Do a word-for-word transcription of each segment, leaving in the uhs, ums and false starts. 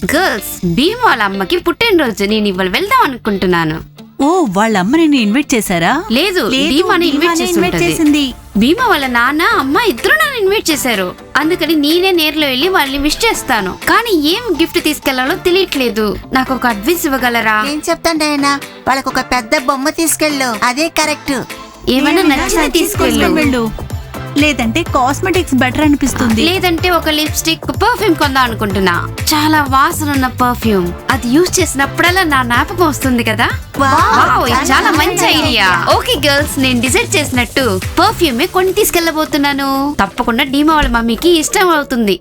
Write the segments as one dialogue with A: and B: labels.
A: Girls Bhim వాళ్ళ అమ్మకి పుట్టినరోజు, నేను ఇవాళ వెళ్దాం అనుకుంటున్నాను.
B: ఓ వాళ్ళ అమ్మ నిన్ను ఇన్వైట్ చేశారా?
A: లేదు, భీమాని ఇన్వైట్ చేసింది. భీమా వాళ్ళ నాన్న అమ్మ ఇద్దరు నన్ను ఇన్వైట్ చేశారు, అందుకని నేనే నేర్లో వెళ్ళి వాళ్ళని విష్ చేస్తాను. కానీ ఏం గిఫ్ట్ తీసుకెళ్లాలో తెలియట్లేదు. నాకు ఒక అడ్వైస్ ఇవ్వగలరా?
C: నేను చెప్తాను డయానా, వాళ్ళకు ఒక పెద్ద బొమ్మ తీసుకెళ్ళు, అదే కరెక్ట్.
A: ఏమైనా నచ్చితే తీసుకెళ్ళు,
B: లేదంటే కాస్మెటిక్స్ బెటర్ అనిపిస్తుంది.
A: లేదంటే ఒక లిప్స్టిక్, పర్ఫ్యూమ్ కొందాం అనుకుంటున్నా. చాలా వాసన ఉన్న పర్ఫ్యూమ్, అది యూజ్ చేసినప్పుడల్లా నా జ్ఞాపకం వస్తుంది కదా. వావ్, ఇది చాలా మంచి ఐడియా. ఓకే గర్ల్స్, నేను డిసైడ్ చేసినట్టు పర్ఫ్యూమే కొని తీసుకెళ్లబోతున్నాను. తప్పకుండా డీమా వాళ్ళ మమ్మీకి ఇష్టం అవుతుంది.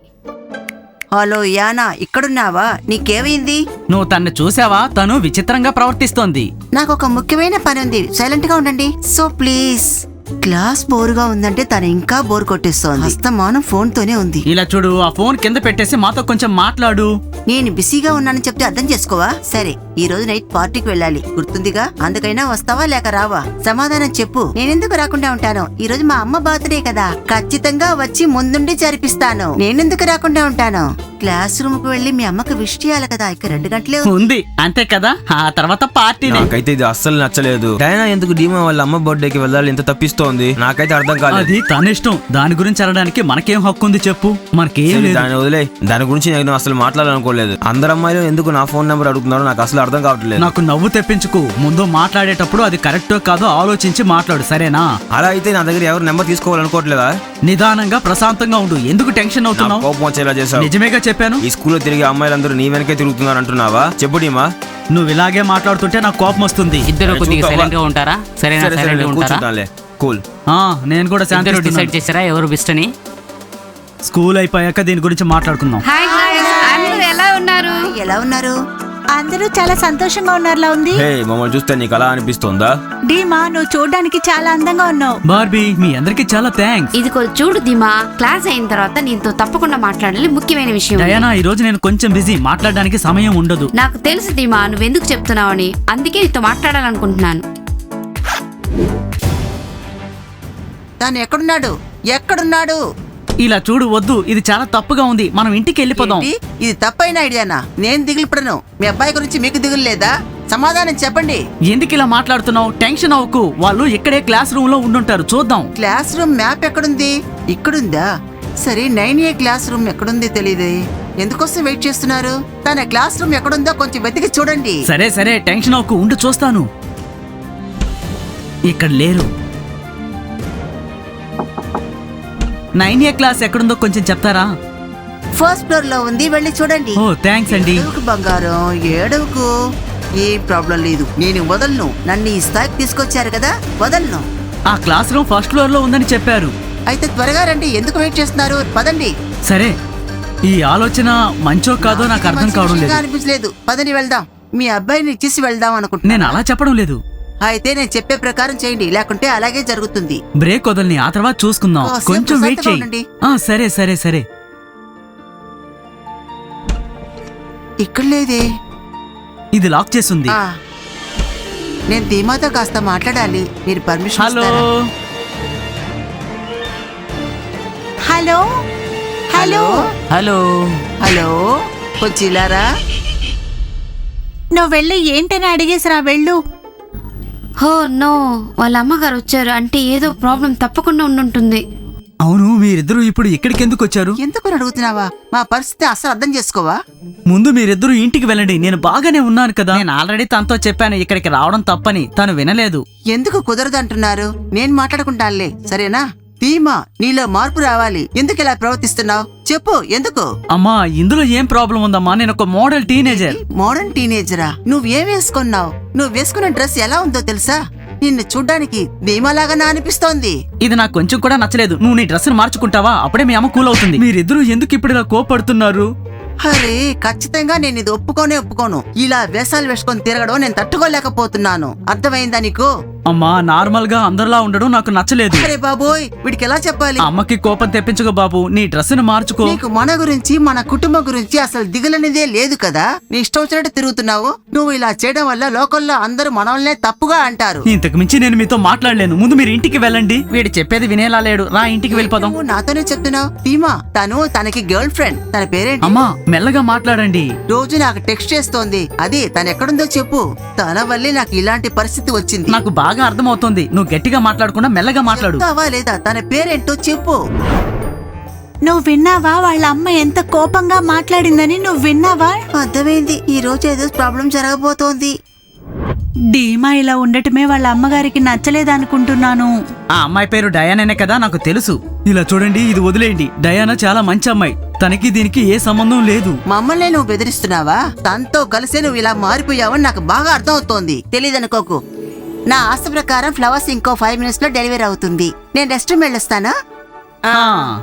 C: హలో యానా, ఇక్కడున్నావా? నీకేమైంది?
D: నువ్వు తన్ని చూసావా? తను విచిత్రంగా ప్రవర్తిస్తోంది.
C: నాకు ఒక ముఖ్యమైన పని ఉంది, సైలెంట్ గా ఉండండి. So please. క్లాస్ బోరుగా ఉందంటే తను ఇంకా బోర్ కొట్టేస్తోంది. హస్తమానం ఫోన్ తోనే ఉంది.
D: ఇలా చూడు, ఆ ఫోన్ కింద పెట్టేసి మాతో కొంచెం మాట్లాడు.
C: నేను బిజీగా ఉన్నానని చెప్తే అర్థం చేసుకోవా? సరే, ఈ రోజు నైట్ పార్టీకి వెళ్ళాలి, గుర్తుందిగా? అందుకైనా వస్తావా లేక రావా? సమాధానం చెప్పు. నేనెందుకు రాకుండా ఉంటాను? ఈ రోజు మా అమ్మ బర్త్డే కదా, ఖచ్చితంగా వచ్చి ముందుండి జరిపిస్తాను. నేనెందుకు రాకుండా ఉంటాను? క్లాస్ రూమ్ కు వెళ్లి మీ అమ్మకు విష్ చేయాలి కదా, ఇక రెండు గంటలే
D: ఉంది, అంతే కదా. ఆ తర్వాత పార్టీ.
E: నాకైతే ఇది అస్సలు నచ్చలేదు. డయానా ఎందుకు డీమా వాళ్ళ అమ్మ బర్త్డేకి వెళ్ళాలి ఇంత తప్పిస్తోంది? నాకైతే అర్థం కాలేదు.
D: అది తన ఇష్టం, దాని గురించి అనడానికి మనకేం హక్కు ఉంది చెప్పు? మనకేం లేదు.
E: దాని వదిలే, దాని గురించి నేను అసలు మాట్లాడాలనుకోలేదు. అందరు అమ్మాయిలు ఎందుకు నా ఫోన్ నెంబర్ అడుగుతున్నారో నాకు అసలు అర్థం కావట్లేదు.
D: నాకు నవ్వు తెప్పించుకు. ముందు మాట్లాడేటప్పుడు అది కరెక్టో కాదో ఆలోచించి మాట్లాడు, సరేనా?
E: అలా అయితే నా దగ్గర ఎవరు నెంబర్ తీసుకోవాలనుకోవట్లేదా?
D: నిదానంగా ప్రశాంతంగా ఉండు. ఎందుకు టెన్షన్ అవుతున్నావు?
E: కోపం వచ్చేలా చేసావు.
D: నిజమేగా చెప్పాను.
E: ఈ స్కూల్లో తిరిగే అమ్మాయిలందరూ నీ వెనకే తిరుగుతున్నారు అంటున్నావా? చెప్పు డీమా.
D: నువ్వు ఇలాగే మాట్లాడుతుంటే నాకు కోపం వస్తుంది.
F: ఇద్దరు కొద్దిగా సైలెంట్ గా ఉంటారా? సరేనా? సైలెంట్ గా ఉంటారా?
E: కూర్చుంటానులే, కూల్.
D: ఆ నేను కూడా
F: ఇద్దరు
D: శాంతి
F: డిసైడ్ చేశారా ఎవరు బెస్ట్ అని?
D: స్కూల్ అయిపోయాక దీని గురించి మాట్లాడుకుందాం.
A: హాయ్ గర్ల్స్, అందరూ ఎలా ఉన్నారు?
C: ఎలా ఉన్నారు?
B: అందరూ చాలా సంతోషంగా ఉన్నారులా ఉంది.
E: హే, మమ్మల్ని చూస్తే నీకు అలా అనిపిస్తుందా?
B: డీమా, నువ్వు చూడడానికి చాలా అందంగా ఉన్నావు.
D: బార్బీ, మీ అందరికి చాలా థ్యాంక్స్.
A: ఇది కొంచెం చూడు దిమా, క్లాస్ అయిన తర్వాత నీతో తప్పకుండా మాట్లాడాలి, ముఖ్యమైన విషయం.
D: డయానా, ఈ రోజు నేను కొంచెం బిజీ, మాట్లాడడానికి సమయం ఉండదు.
A: నాకు తెలుసు దిమా, నువ్వెందుకు చెప్తున్నావని, అందుకే నీతో మాట్లాడాలనుకుంటున్నాను.
C: తను ఎక్కడున్నాడు? ఎక్కడున్నాడు?
D: ఇలా చూడు, వద్దు, ఇది చాలా తప్పుగా ఉంది. మనం ఇంటికి వెళ్ళిపోదాం.
C: ఏంటి? ఇది తప్పైన ఐడియానా? నేను దిగులుపడను. మీ అబ్బాయి గురించి మీకు దిగులు లేదా? సమాధానం చెప్పండి.
D: ఎందుకు ఇలా మాట్లాడుతున్నావు? టెన్షన్ అవ్వకు, వాళ్ళు ఇక్కడే క్లాస్ రూమ్ లో ఉండుంటారు, చూద్దాం.
C: క్లాస్ రూమ్ మ్యాప్ ఎక్కడుంది? ఇక్కడుందా? సరే, నైన్ ఏ క్లాస్ రూమ్ ఎక్కడుంది తెలియదే. ఎందుకోసం వెయిట్ చేస్తున్నారు? తన క్లాస్ రూమ్ ఎక్కడుందో కొంచెం వెతికి చూడండి.
D: సరే సరే, టెన్షన్ అవ్వకు, ఉండి చూస్తాను. ఇక్కడ లేరు. నైన్ ఏ క్లాస్ ఎక్కడుందో కొంచెం చెప్తారా?
C: ఫస్ట్ ఫ్లోర్ లో ఉంది, వెళ్ళి చూడండి.
D: ఓ థ్యాంక్స్ అండి.
C: ఏడవకు బంగారం, ఏడవకు. ఏ ప్రాబ్లం లేదు, నేను వదలను. నన్ను ఈ స్థాయికి తీసుకొచ్చారు కదా, వదలను.
D: ఆ క్లాస్ రూమ్ ఫస్ట్ ఫ్లోర్ లో ఉందని చెప్పారు.
C: అయితే త్వరగా రండి, ఎందుకు వెయిట్ చేస్తున్నారు? పదండి.
D: సరే, ఈ ఆలోచన మంచో కాదో నాకు అర్థం కావడం లేదు.
C: అనిపించలేదు, పదని వెళ్దాం. మీ అబ్బాయిని ఇచ్చేసి వెళ్దాం అనుకుంటున్నా.
D: నేను అలా చెప్పడం లేదు.
C: అయితే నేను చెప్పే ప్రకారం చేయండి, లేకుంటే అలాగే జరుగుతుంది.
D: బ్రేక్ వదలని, ఆ తర్వాత చూసుకుందాం.
C: కాసేపు
D: కొంచెం వెయిట్
C: ప్రశాంతంగా
D: చేయి.
C: ఉండండి.
D: ఆ సరే సరే సరే.
C: ఇక్కడ లేదే.
D: ఇది లాక్ చేసింది.
C: ఆ, నేను ధీమాతో కాస్త మాట్లాడాలి, మీరు పర్మిషన్
D: హలో
C: ఇస్తారా?
B: హలో హలో
F: హలో
C: హలో, కొంచెం ఇలారా.
B: నువ్వు వెళ్ళి ఏంటని అడిగేసిరా, వెళ్ళు.
A: హో నో, వాళ్ళ అమ్మగారు వచ్చారు అంటే ఏదో ప్రాబ్లం తప్పకుండా ఉండుంటుంది.
D: అవును, మీరిద్దరూ ఇప్పుడు ఇక్కడికి ఎందుకు వచ్చారు?
C: ఎందుకు అడుగుతున్నావా? మా పరిస్థితి అస్సలు అర్థం చేసుకోవా?
D: ముందు మీరిద్దరూ ఇంటికి వెళ్ళండి. నేను బాగానే ఉన్నాను కదా. నేను ఆల్రెడీ తనతో చెప్పాను ఇక్కడికి రావడం తప్పని, తను వినలేదు.
C: ఎందుకు కుదరదు అంటున్నారు? నేను మాట్లాడుకుంటానులే, సరేనా? ధీమా, నీలో మార్పు రావాలి. ఎందుకు ఇలా ప్రవర్తిస్తున్నావు? చెప్పు, ఎందుకు?
D: అమ్మా, ఇందులో ఏం ప్రాబ్లం ఉందమ్మా? నేను ఒక మోడల్ టీనేజర్.
C: మోడర్న్ టీనేజరా? నువ్వేం వేసుకున్నావు? నువ్వు వేసుకున్న డ్రెస్ ఎలా ఉందో తెలుసా? నిన్ను చూడ్డానికి ధీమాలాగా అనిపిస్తోంది.
D: ఇది నాకు కొంచెం కూడా నచ్చలేదు. నువ్వు నీ డ్రెస్ మార్చుకుంటావా? అప్పుడే మీ అమ్మ కూల్ అవుతుంది. మీరిద్దరూ ఎందుకు ఇప్పుడు ఇలా కోపడుతున్నారు?
C: అరే, ఖచ్చితంగా నేను ఇది ఒప్పుకోనే ఒప్పుకోను. ఇలా వేషాలు వేసుకొని తిరగడం నేను తట్టుకోలేకపోతున్నాను. అర్థమైందా నీకు?
D: అమ్మా నార్మల్ గా అందరిలా ఉండడం నాకు నచ్చలేదు.
C: అరే బాబోయ్, వీడికి ఎలా చెప్పాలి?
D: అమ్మకి కోపం తెప్పించుకో బాబు, నీ డ్రెస్ ని మార్చుకో.
C: నీకు మన గురించి మన కుటుంబం గురించి అసలు దిగులనేదే లేదు కదా. నీ ఇష్టం వచ్చినట్టు తిరుగుతున్నావు. నువ్వు ఇలా చేయడం వల్ల లోకల్లో అందరూ మనల్నే తప్పుగా అంటారు.
D: ఇంతకు మించి నేను మీతో మాట్లాడలేను. ముందు మీరు ఇంటికి వెళ్ళండి. వీడు చెప్పేది వినేలా లేడు. రా ఇంటికి వెళ్ళిపోదాం.
C: నువ్వు నాతోనే చెప్తున్నావు. ధీమా తను తనకి గర్ల్ ఫ్రెండ్, తన పేరేంటి?
D: అమ్మా మెల్లగా మాట్లాడండి.
C: రోజు నాకు టెక్స్ట్ చేస్తోంది. అది తను ఎక్కడుందో చెప్పు. తన వల్లే నాకు ఇలాంటి పరిస్థితి వచ్చింది.
D: నాకు బాగా అర్థమవుతోంది. నువ్వు గట్టిగా మాట్లాడకుండా మెల్లగా మాట్లాడు.
C: చెప్తావా లేదా? తన పేరేంటో చెప్పు.
B: నువ్వు విన్నావా వాళ్ళ అమ్మ ఎంత కోపంగా మాట్లాడిందని? నువ్వు విన్నావా?
C: అర్థమైంది. ఈ రోజు ఏదో ప్రాబ్లం జరగబోతోంది.
B: డీమా ఇలా ఉండటమే వాళ్ళ అమ్మగారికి నచ్చలేదనుకుంటున్నాను.
D: ఆ అమ్మాయి పేరు డయానానే కదా, నాకు తెలుసు. ఇలా చూడండి, ఇది వదిలేయండి. డయానా చాలా మంచి అమ్మాయి. తనకి దీనికి ఏ సంబంధం లేదు.
C: మమ్మల్ని నువ్వు బెదిరిస్తున్నావా? తనతో కలిసే నువ్వు ఇలా మారిపోయావని నాకు బాగా అర్థం అవుతోంది. తెలీదనుకోకు. నా ఆశ ప్రకారం ఫ్లవర్స్ ఇంకో ఫైవ్ మినిట్స్ లో డెలివరీ అవుతుంది. నేను రెస్ట్ రూమ్ వెళ్ళొస్తానా?
D: ఆ,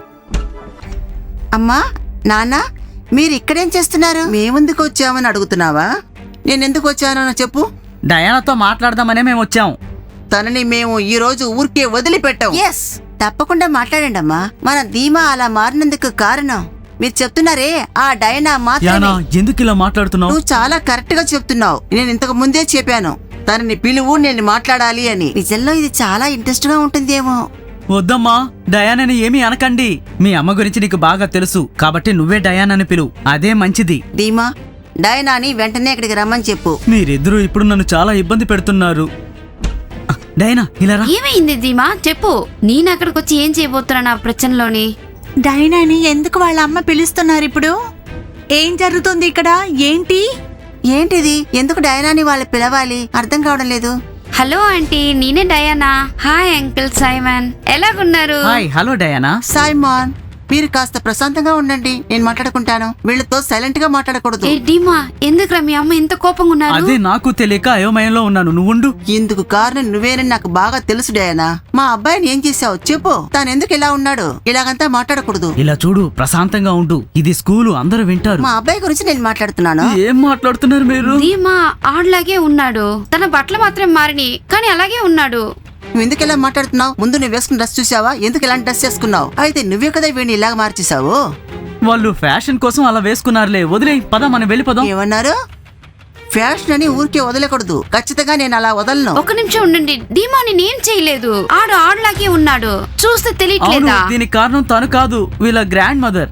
C: అమ్మా, నాన్న, మీరు ఇక్కడేం చేస్తున్నారు? మేమెందుకు వచ్చామని అడుగుతున్నావా? నేను ఎందుకు వచ్చానో చెప్పు.
D: డయానాతో మాట్లాడదామనే మేము వచ్చాం.
C: తనని మేము ఈ రోజు ఊరికే వదిలిపెట్టాం. ఎస్, తప్పకుండా మాట్లాడండి అమ్మా. మన ధీమా అలా మారినందుకు కారణం మీరు చెప్తున్నారే ఆ డైనా
D: యానా,
C: మాత్రమే.
D: ఎందుకు ఇలా మాట్లాడుతున్నావు?
C: నువ్వు చాలా కరెక్ట్ గా చెప్తున్నావు. నేను ఇంతకు ముందే చెప్పాను తనని పిలువు, నేను మాట్లాడాలి అని. నిజంలో ఇది చాలా ఇంట్రెస్ట్ గా ఉంటుందేమో.
D: వద్దమ్మా, డయానాని ఏమీ అనకండి. మీ అమ్మ గురించి నీకు బాగా తెలుసు కాబట్టి నువ్వే డయానాని పిలువు. అదే మంచిది.
C: ధీమా, డైనాని వెంటనే ఇక్కడికి రమ్మని చెప్పు.
D: మీరిద్దరూ ఇప్పుడు నన్ను చాలా ఇబ్బంది పెడుతున్నారు. ఆ, డయానా ఇలా రా.
A: ఏమైంది ధీమా చెప్పు. నేను అక్కడికి వచ్చి ఏం చేయబోతున్నా నా ప్రశ్నలోని?
B: డైనాని ఎందుకు వాళ్ళ అమ్మ పిలుస్తున్నారు ఇప్పుడు? ఏం జరుగుతుంది ఇక్కడ? ఏంటి?
C: ఏంటిది? ఎందుకు డైనాని వాళ్ళు పిలవాలి? అర్థం కావడం లేదు.
A: హలో ఆంటీ, నేనే డయానా. హాయ్ అంకుల్ సైమన్, ఎలాగున్నారు?
D: Hi, hello Diana.
C: సైమాన్, మీరు కాస్త ప్రశాంతంగా ఉండండి. నేను మాట్లాడుకుంటాను. వీళ్ళతో సైలెంట్ గా మాట్లాడకూడదు.
A: ఏ డీమా, ఎందుకురా మీ అమ్మ ఇంత కోపంగా ఉన్నారు?
D: అదే నాకు తెలియక అయోమయంలో ఉన్నాను. నువ్వుండు.
C: ఇందుకు కారణం నువ్వేనని నాకు బాగా తెలుసు డయానా. మా అబ్బాయిని ఏం చేసావు చెప్పు. తాను ఎందుకు ఇలా ఉన్నాడు? ఇలాగంతా మాట్లాడకూడదు.
D: ఇలా చూడు, ప్రశాంతంగా ఉండు. ఇది స్కూలు, అందరూ వింటారు.
C: మా అబ్బాయి గురించి నేను మాట్లాడుతున్నాను.
D: ఏం మాట్లాడుతున్నారు మీరు?
A: ధీమా ఆడలాగే ఉన్నాడు. తన బట్టలు మాత్రం మారిని, కానీ అలాగే ఉన్నాడు.
C: నువ్వు ఎందుకు ఇలా మాట్లాడుతున్నావు? ముందు నువ్వు వేసుకున్న డ్రెస్ చూసావా? ఎందుకు ఇలాంటి డ్రెస్ చేసుకున్నావు? అయితే నువ్వే కదా వీడిని ఇలాగ మార్చేసావు.
D: వాళ్ళు ఫ్యాషన్ కోసం అలా వేసుకున్నారులే. వదిలే, పద మనం వెళ్ళిపోదాం.
C: ఏమన్నారు? ఫ్యాషన్ అని ఊరికే వదలకూడదు. ఖచ్చితంగా నేను అలా వదలను.
A: ఒక నిమిషం ఉండండి. ధీమా నేనేం చేయలేదు. ఆడు ఆడలాగే ఉన్నాడు. చూస్తే
D: అవును,
A: తెలియట్లేదా?
D: దీనికి కారణం తను కాదు, వీళ్ళ గ్రాండ్ మదర్.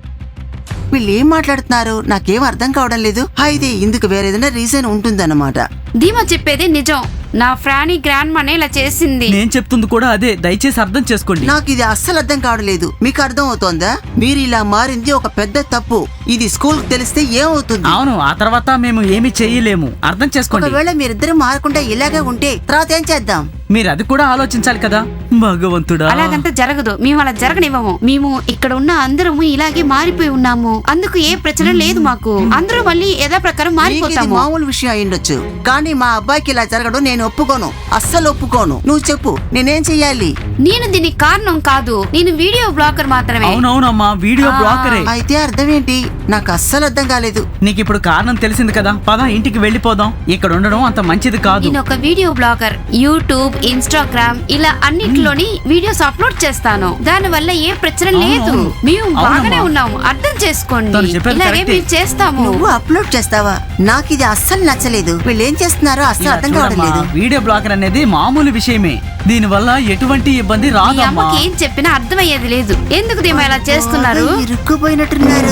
C: వీళ్ళు ఏం మాట్లాడుతున్నారు? నాకేం అర్థం కావడం లేదు. అయితే ఇందుకు వేరేదైనా రీజన్ ఉంటుందన్నమాట.
A: ధీమా చెప్పేది నిజం. నా ఫ్రానీ గ్రాండ్ మనే ఇలా చేసింది.
D: నేను చెప్తుంది కూడా అదే. దయచేసి అర్థం చేసుకోండి.
C: నాకు ఇది అస్సలు అర్థం కావడం లేదు. మీకు అర్థం అవుతోందా? మీరు ఇలా మారింది ఒక పెద్ద తప్పు. ఇది స్కూల్ తెలిస్తే ఏమవుతుంది?
D: అవును, ఆ తర్వాత మేము ఏమి చెయ్యలేము. అర్థం చేసుకోండి.
C: ఒకవేళ మీరిద్దరు మారకుండా ఇలాగే ఉంటే తర్వాత ఏం చేద్దాం?
D: మీరు అది కూడా ఆలోచించాలి కదా. భగవంతుడా,
A: అలాగంతా జరగదు. మేము అలా జరగనివ్వము. మేము ఇక్కడ ఉన్న అందరము ఇలాగే మారిపోయి ఉన్నాము. అందుకు ఏ ప్రచన లేదు మాకు. అందరూ మళ్ళీ యథా ప్రకారం
C: మీకు ఇది
A: మారిపోతాము.
C: మామూలు విషయం అయ్యుండొచ్చు, కానీ మా అబ్బాయికి ఇలా జరగడం నేను ఒప్పుకోను. అస్సలు ఒప్పుకోను. నువ్వు చెప్పు, నేనేం చెయ్యాలి?
A: నేను దీనికి కారణం కాదు. నేను వీడియో బ్లాగర్ మాత్రమే.
D: అవునవునమ్మా, వీడియో బ్లాకరే.
C: అయితే అర్థం ఏంటి? నాకు అస్సలు అర్థం కాలేదు.
D: నీకు ఇప్పుడు కారణం తెలిసింది కదా. పద ఇంటికి వెళ్ళిపోదాం. ఇక్కడ ఉండడం అంత మంచిది కాదు.
A: నేను ఒక వీడియో బ్లాగర్. యూట్యూబ్, ఇన్స్టాగ్రామ్ ఇలా అన్నిటిలోని వీడియోస్ అప్లోడ్ చేస్తాను. దాని వల్ల ఏ ప్రచన లేదు.
D: అవును.
A: మేము
D: అవునమ్మా.
A: బాగానే ఉన్నాము. అర్థం చేసుకోండి.
D: తను చెప్పేది
A: ఇలాగే
D: కరెక్టే.
A: మేము చేస్తాము.
C: నువ్వు అప్లోడ్ చేస్తావా? నాకు ఇది అస్సలు నచ్చలేదు. వీళ్ళు ఏం చేస్తున్నారో అస్సలు
D: ఇలా
C: అర్థం కావడం
D: చూడమ్మా,
C: లేదు.
D: వీడియో బ్లాకర్ అనేది మామూలు విషయమే. దీని వల్ల ఎటువంటి ఇబ్బంది
A: మీ
D: రాదమ్మా.
A: అమ్మకి ఏం చెప్పినా అర్థమయ్యేది లేదు. ఎందుకు దీమా ఇలా చేస్తున్నారు?
C: బాగా ఇరుక్కుపోయినట్టున్నారు.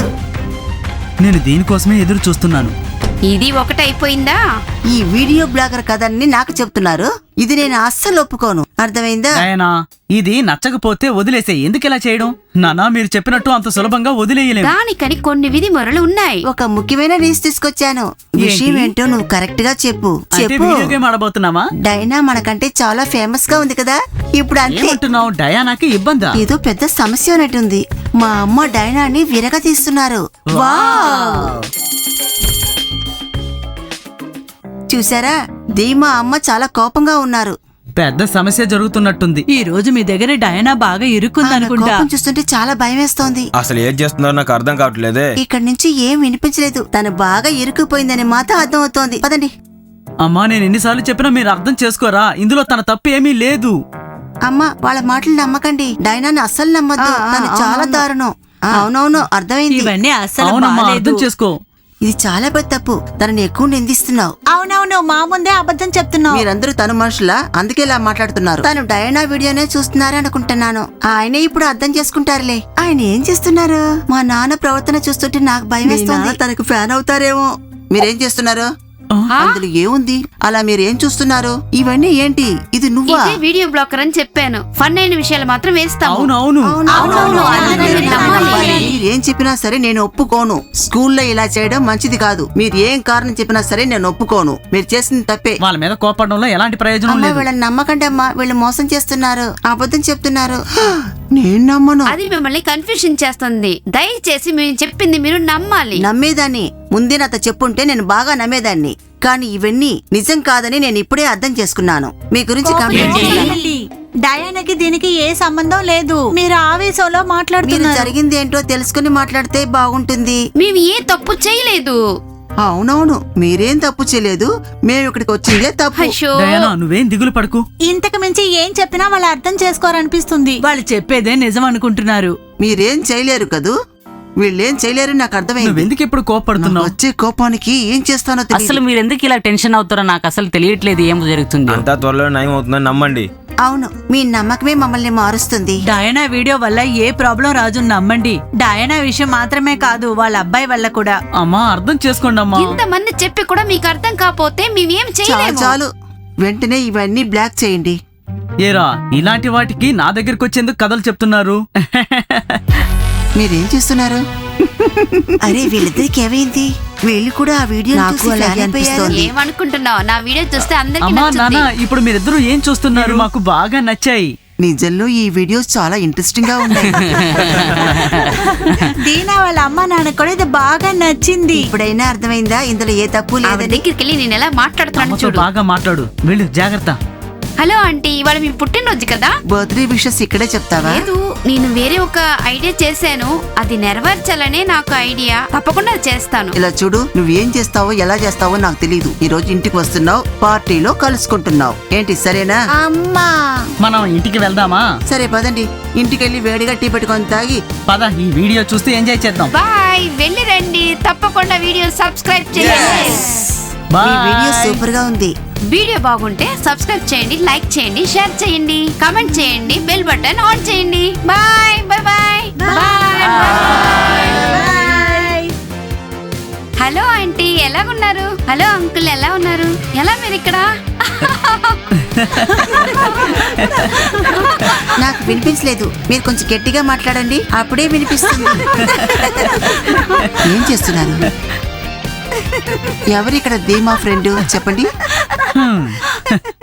D: నేను దీనికోసమే ఎదురు చూస్తున్నాను.
A: ఇది ఒకటి అయిపోయిందా?
C: ఈ వీడియో బ్లాగర్ కథని నాకు చెప్తున్నారు. ఇది నేను అస్సలు ఒప్పుకోను. అర్థమైందా?
D: డయానా, ఇది నచ్చకపోతే వదిలేసే. ఎందుకు ఇలా చేయడం? నానా, మీరు చెప్పినట్టు అంత సులభంగా వదిలేయలేము.
A: దానికని కొన్ని విధి మొరలు ఉన్నాయి.
C: ఒక ముఖ్యమైన న్యూస్ తీసుకొచ్చాను. విషయం ఏంటో నువ్వు కరెక్ట్ గా చెప్పు.
D: అయితే
C: చెప్పు.
D: Video game ఆడబోతున్నావా?
C: డైనా మనకంటే చాలా ఫేమస్ గా ఉంది కదా. ఇప్పుడు అంతే.
D: ఏమంటున్నావు? డయానాకి ఇబ్బందా?
C: ఏదో పెద్ద సమస్య ఉన్నట్టుంది. మా అమ్మ డైనాని విరగ తీస్తున్నారు. వావ్! చూసారా? ధీమా అమ్మ చాలా కోపంగా ఉన్నారు.
D: పెద్ద సమస్య జరుగుతున్నట్టుంది.
B: ఈ రోజు మీ దగ్గర డయానా బాగా ఇరుక్కుందనుకుంటా.
C: కోపం చూస్తుంటే చాలా భయం వేస్తోంది.
E: అసలు ఏం చేస్తున్నారో నాకు అర్థం కావట్లేదే.
C: ఇక్కడి నుంచి ఏం వినిపించలేదు. తను బాగా ఇరుక్కుపోయిందని మాత్రం అర్థం అవుతోంది. పదండి.
D: అమ్మా నేను ఎన్నిసార్లు చెప్పినా మీరు అర్థం చేసుకోరా, ఇందులో తన తప్పు ఏమీ లేదు.
C: అమ్మా వాళ్ళ మాటలు నమ్మకండి. డైనాని అస్సలు నమ్మద్దు,
B: ఆ, ఆ,
C: తను చాలా
B: అవునవును.
C: దారుణం. అవునవును, అర్థమైంది.
B: ఇవన్నీ అస్సలు
D: అవునమ్మా
B: బాలేదు.
D: అర్థం చేసుకో.
C: ఇది చాలా పెద్ద తప్పు. తనని ఎక్కువ నిందిస్తున్నావు.
B: అవునవును, మా ముందే అబద్ధం చెప్తున్నావు.
C: మీరందరూ తను మనుషులా, అందుకే ఇలా మాట్లాడుతున్నారు. తను డయానా వీడియోనే చూస్తున్నారే అనుకుంటున్నాను. ఆయనే ఇప్పుడు అర్థం చేసుకుంటారులే. ఆయన ఏం చేస్తున్నారు? మా నాన్న ప్రవర్తన చూస్తుంటే నాకు భయం వేస్తుంది. తనకు ఫ్యాన్ అవుతారేమో. మీరేం చేస్తున్నారు?
A: ఆ?
C: అందులో ఏముంది? అలా మీరేం చూస్తున్నారు? ఇవన్నీ ఏంటి? ఇది నువ్వా?
A: ఇదే వీడియో బ్లాకర్ అని చెప్పాను. ఫన్ అయిన విషయాలు మాత్రం వేస్తాము.
D: అవునవును
A: అవునవును, అందుకని మీరు నమ్మాలి.
C: మీరేం చెప్పినా సరే నేను ఒప్పుకోను. స్కూల్లో ఇలా చేయడం మంచిది కాదు. మీరు ఏం కారణం చెప్పినా సరే నేను ఒప్పుకోను. మీరు చేసింది తప్పే.
D: వాళ్ళ మీద కోపడడంలో ఎలాంటి ప్రయోజనం
C: అమ్మా
D: లేదు.
C: వీళ్ళని నమ్మకండి అమ్మా. వీళ్ళు మోసం చేస్తున్నారు, అబద్ధం చెప్తున్నారు. నేను నమ్మను.
A: అది మిమ్మల్ని కన్ఫ్యూషన్ చేస్తుంది. దయచేసి మేము చెప్పింది మీరు నమ్మాలి.
C: నమ్మేదాన్ని. ముందే నాతో చెప్పుంటే నేను బాగా నమ్మేదాన్ని. కానీ ఇవన్నీ నిజం కాదని నేను ఇప్పుడే అర్థం చేసుకున్నాను. మీ గురించి కంప్లైంట్ చేశాను.
B: ఏంటి? డయానాకి దీనికి ఏ సంబంధం లేదు. మీరు ఆవేశంలో
C: మీరు
B: మాట్లాడుతున్నారు.
C: జరిగింది ఏంటో తెలుసుకుని మాట్లాడితే బాగుంటుంది.
A: మేము ఏ తప్పు చేయలేదు.
C: అవునవును, మీరేం తప్పు చేయలేదు. మేము ఇక్కడికి వచ్చిందే తప్పు.
A: అయ్యో,
D: డయానా నువ్వేం దిగులు పడకు.
B: ఇంతకు మించి ఏం చెప్పినా వాళ్ళు అర్థం చేసుకోరనిపిస్తుంది. వాళ్ళు చెప్పేదే నిజం అనుకుంటున్నారు.
C: మీరేం చేయలేరు కదూ. వీళ్ళేం చేయలేరు నాకు అర్థమైంది.
D: నువ్వెందుకు ఇప్పుడు
C: నాకు
D: కోపడుతున్నావు?
C: వచ్చే కోపానికి ఏం చేస్తానో
F: అసలు
C: తెలియదు.
F: మీరు ఎందుకు ఇలా టెన్షన్ అవుతారో నాకు అసలు తెలియట్లేదు ఏం జరుగుతుంది.
E: అంతా త్వరలో నయం అవుతుందని నమ్మండి.
C: అవును, మీ నమ్మకమే మమ్మల్ని మారుస్తుంది.
B: డయానా వీడియో వల్ల ఏ ప్రాబ్లం రాజు నమ్మండి. డయానా విషయం మాత్రమే కాదు, వాళ్ళ అబ్బాయి వల్ల కూడా.
D: అమ్మా అర్థం చేసుకోండి అమ్మా.
A: ఇంతమంది చెప్పి కూడా మీకు అర్థం కాకపోతే మేమేం
C: చాలు
A: చేయలేము.
C: చాలు, వెంటనే ఇవన్నీ బ్లాక్ చేయండి.
D: ఏరా ఇలాంటి వాటికి నా దగ్గరికి వచ్చేందుకు కథలు చెప్తున్నారు?
C: మీరేం చేస్తున్నారు? అరే వీళ్ళిద్దరికి ఏమైంది? వీళ్ళు కూడా ఆ వీడియో చూసి ఫ్యాన్ అయిపోయారు.
A: ఏమనుకుంటున్నావు? నా వీడియో చూస్తే అందరికీ
D: అమ్మా నాన్న
A: నచ్చుతుంది.
D: ఇప్పుడు మీరిద్దరూ ఏం చూస్తున్నారు? మాకు బాగా నచ్చాయి.
C: నిజంలో ఈ వీడియోస్ చాలా ఇంట్రెస్టింగ్ గా ఉన్నాయి.
B: దీనా వాళ్ళ అమ్మ నాన్న కూడా ఇది బాగా నచ్చింది.
C: ఇప్పుడైనా అర్థమైందా ఇందులో ఏ తప్పు
A: ఆవిడ
C: లేదని?
A: దగ్గరికి వెళ్ళి నేను ఎలా మాట్లాడుతున్నాను
D: అమ్మతో
A: చూడు.
D: బాగా మాట్లాడు. వెళ్ళు జాగ్రత్త.
A: హలో ఆంటీ, ఇవాళ మీ పుట్టినరోజు కదా?
C: బర్త్డే విషెస్ ఇక్కడే చెప్తావా?
A: లేదు, నేను వేరే ఒక ఐడియా చేశాను. అది నెరవేర్చాలనే నాకు ఐడియా. తప్పకుండా అది చేస్తాను.
C: ఇలా చూడు, నువ్వేం చేస్తావో ఎలా చేస్తావో నాకు తెలియదు. ఈ రోజు ఇంటికి వస్తున్నావు, పార్టీలో కలుసుకుంటున్నావు. ఏంటి సరేనా?
A: అమ్మా,
D: మనం ఇంటికి వెళ్దామా?
C: సరే పదండి, ఇంటికి వెళ్ళి వేడిగా టీ పెట్టుకొని తాగి.
D: పద ఈ వీడియో చూస్తూ ఎంజాయ్ చేద్దాం.
A: బాయ్. వెళ్ళి రండి. తప్పకుండా వీడియో సబ్స్క్రైబ్ చేయండి.
C: ఈ
D: బాయ్.
C: వీడియో సూపర్ గా ఉంది.
A: వీడియో బాగుంటే సబ్స్క్రైబ్ చేయండి, లైక్ చేయండి, షేర్ చేయండి, కామెంట్ చేయండి, బెల్ బటన్ ఆన్ చేయండి. Bye bye bye bye. Hello aunty, ఎలాగున్నారు? హలో అంకుల్, ఎలా ఉన్నారు? ఎలా మీరు ఇక్కడ?
C: నాకు వినిపించలేదు. మీరు కొంచెం గట్టిగా మాట్లాడండి, అప్పుడే వినిపిస్తుంది. ఏం చేస్తున్నారు? ఎవరు ఇక్కడ ధీమా ఫ్రెండ్ చెప్పండి.
D: హ్మ్.